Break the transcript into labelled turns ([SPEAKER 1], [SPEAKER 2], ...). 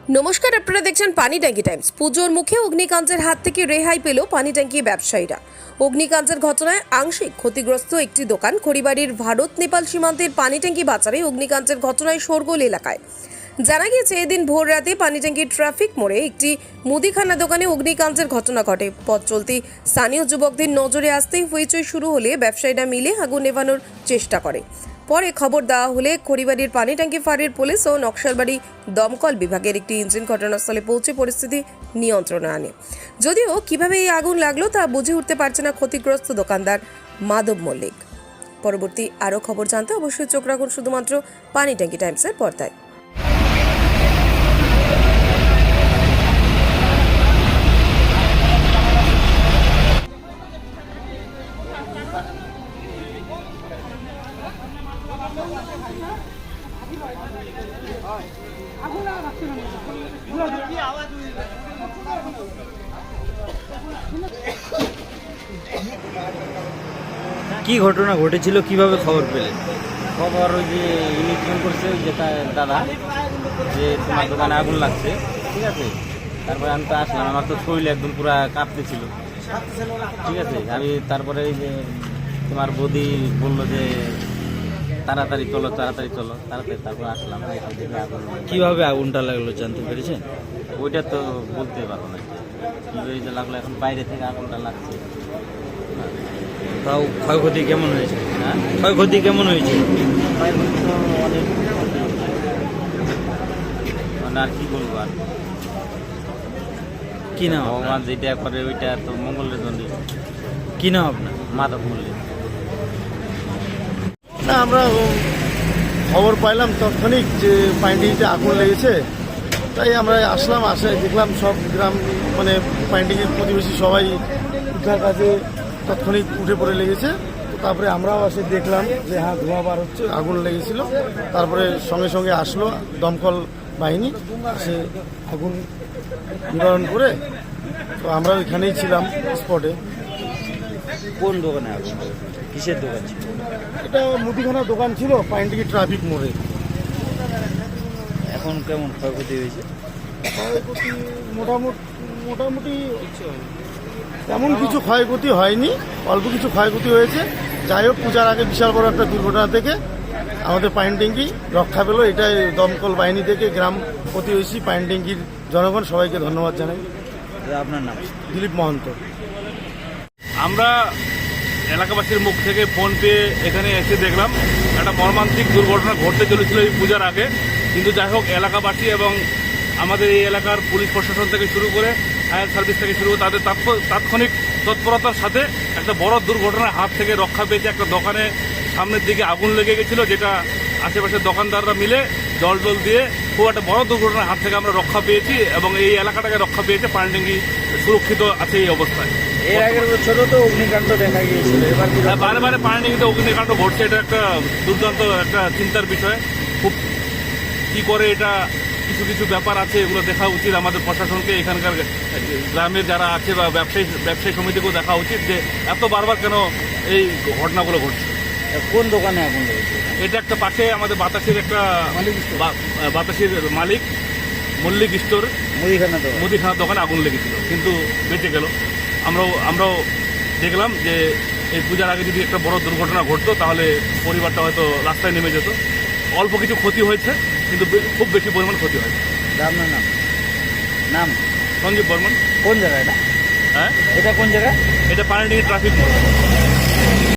[SPEAKER 1] নমস্কার, আপনারা দেখছেন পানি ট্যাঙ্কি টাইমস। পুজোর মুখে অগ্নিকান্তের হাত থেকে রেহাই পেল পানি ট্যাঙ্কি ব্যবসায়ীরা। অগ্নিকান্তের ঘটনায় আংশিক ক্ষতিগ্রস্ত একটি দোকান খড়িবাড়ির ভারত নেপাল সীমান্তের পানি ট্যাঙ্কি বাজারে অগ্নিকান্তের ঘটনায় শোরগোল এলাকায়। জানা গিয়েছে, এদিন ভোর রাতে পানি ট্যাঙ্কির ট্রাফিক মোড়ে একটি মুদিখানা দোকানে অগ্নিকান্তের ঘটনা ঘটে। পথ চলতি স্থানীয় যুবকদের নজরে আসতেই হইচই শুরু হলে ব্যবসায়ীরা মিলে আগুন নেভানোর চেষ্টা করে। পরে খবর দেওয়া হলে খড়িবাড়ির পানি ট্যাঙ্কি ফাঁড়ির পুলিশ ও নকশালবাড়ি দমকল বিভাগের একটি ইঞ্জিন ঘটনাস্থলে পৌঁছে পরিস্থিতি নিয়ন্ত্রণে আনে। যদিও কিভাবে এই আগুন লাগলো তা বুঝে উঠতে পারছে না ক্ষতিগ্রস্ত দোকানদার মাধব মল্লিক। পরবর্তী আরও খবর জানতে অবশ্যই চোখ রাখুন শুধুমাত্র পানি ট্যাঙ্কি টাইমসের পর্দায়।
[SPEAKER 2] কি ঘটনা ঘটেছিল, কিভাবে খবর পেলেন?
[SPEAKER 3] খবর ওই যে ইনি ফোন করছে, ওই যে দাদা, যে তোমার দোকানে আগুন লাগছে, ঠিক আছে। তারপরে আমি তো আসলাম, আমার তো শরীর একদম পুরো কাঁপতেছিল, ঠিক আছে। আমি তারপরে এই যে তোমার বৌদি বললো যে তাড়াতাড়ি চলো তাড়াতাড়ি, তারপর আসলাম। এখান থেকে আগুন
[SPEAKER 2] কিভাবে আগুনটা লাগলো জানতে পেরেছেন?
[SPEAKER 3] ওইটা তো বলতে পারবো না কীভাবে যে লাগলো, এখন বাইরে থেকে আগুনটা লাগছে।
[SPEAKER 2] তাও ক্ষয়ক্ষতি কেমন হয়েছে?
[SPEAKER 3] হ্যাঁ,
[SPEAKER 2] ক্ষয়ক্ষতি কেমন হয়েছে?
[SPEAKER 3] বাইরে তো অনেক ক্ষতি হয়েছে। মানে আর কি বলবো, আর
[SPEAKER 2] কি নাম
[SPEAKER 3] ভগবান
[SPEAKER 2] আপনার?
[SPEAKER 3] যেটা করে ওইটা তো মঙ্গলের জন্য।
[SPEAKER 2] কি নাম আপনার?
[SPEAKER 3] মাধব মল্লিক।
[SPEAKER 4] না, আমরা খবর পাইলাম তাৎক্ষণিক যে পাইন্ডিংতে আগুন লেগেছে, তাই আমরা আসলাম। দেখলাম সব গ্রাম মানে পাইন্ডিংয়ের প্রতিবেশী সবাই উদ্ধার কাজে তাৎক্ষণিক উঠে পড়ে লেগেছে। তো তারপরে আমরাও এসে দেখলাম যে হ্যাঁ, ধোঁয়া বার হচ্ছে, আগুন লেগেছিল। তারপরে সঙ্গে সঙ্গে আসলো দমকল বাহিনী, সে আগুন নিবারণ করে। তো আমরা এখানেই ছিলাম স্পটে।
[SPEAKER 2] কোন দোকানে আগুন? কিসের দোকান ছিল?
[SPEAKER 4] এটা মুদিখানা দোকান ছিল পাইন্ডিংয়ে ট্রাফিক মোড়ে।
[SPEAKER 2] এখন কেমন ক্ষয়ক্ষতি হয়েছে?
[SPEAKER 4] ক্ষয়ক্ষতি মোটামুটি তেমন কিছু ক্ষয়ক্ষতি হয়নি, অল্প কিছু ক্ষয়ক্ষতি হয়েছে। যাই হোক, পূজার আগে বিশাল বড় একটা দুর্ঘটনা থেকে আমাদের পাইনট্যাঙ্কি রক্ষা পেল। এটাই দমকল বাহিনী থেকে গ্রাম প্রতিবেশী পাইনট্যাঙ্কির জনগণ সবাইকে ধন্যবাদ জানাই।
[SPEAKER 2] আপনার নাম?
[SPEAKER 4] দিলীপ মহন্ত।
[SPEAKER 5] আমরা এলাকাবাসীর মুখ থেকে ফোন পেয়ে এখানে এসে দেখলাম একটা মর্মান্তিক দুর্ঘটনা ঘটতে চলেছিল এই পূজার আগে। কিন্তু যাই হোক, এলাকাবাসী এবং আমাদের এই এলাকার পুলিশ প্রশাসন থেকে শুরু করে ফায়ার সার্ভিস থেকে শুরু করে তাদের তাৎক্ষণিক তৎপরতার সাথে একটা বড় দুর্ঘটনার হাত থেকে রক্ষা পেয়েছে। একটা দোকানে সামনের দিকে আগুন লেগে গেছিলো, যেটা আশেপাশের দোকানদাররা মিলে জল দিয়ে খুব একটা বড় দুর্ঘটনার হাত থেকে আমরা রক্ষা পেয়েছি এবং এই এলাকাটাকে রক্ষা পেয়েছে। পানিট্যাঙ্কি সুরক্ষিত আছে এই অবস্থায়।
[SPEAKER 2] এর আগের বছরও তো অগ্নিকাণ্ড দেখা গিয়েছিল, এবার কি?
[SPEAKER 5] বারে বারে পানিট্যাঙ্কিতে অগ্নিকাণ্ড ঘটছে, এটা একটা দুর্দান্ত একটা চিন্তার বিষয়। খুব কি করে এটা, কিছু কিছু ব্যাপার আছে, এগুলো দেখা উচিত আমাদের প্রশাসনকে, এখানকার গ্রামের যারা আছে বা ব্যবসায়ী সমিতিকেও দেখা উচিত যে এত বারবার কেন এই ঘটনাগুলো ঘটছে।
[SPEAKER 2] কোন দোকানে আগুন লেগেছে?
[SPEAKER 5] এটা একটা পাশে আমাদের বাতাসের একটা বাতাসের মালিক মল্লিক স্টোর মুদিখানার দোকানে আগুন লেগেছিল, কিন্তু বেঁচে গেল। আমরাও দেখলাম যে এই পূজার আগে যদি একটা বড় দুর্ঘটনা ঘটতো তাহলে পরিবারটা হয়তো রাস্তায় নেমে যেত। অল্প কিছু ক্ষতি হয়েছে, কিন্তু খুব বেশি পরিমাণ ক্ষতি হয়েছে।
[SPEAKER 2] আপনার নাম? নাম
[SPEAKER 5] সঞ্জীব বর্মন।
[SPEAKER 2] কোন জায়গা এটা?
[SPEAKER 5] হ্যাঁ,
[SPEAKER 2] এটা কোন জায়গা?
[SPEAKER 5] এটা পানিট্যাঙ্কি ট্রাফিক মোড়।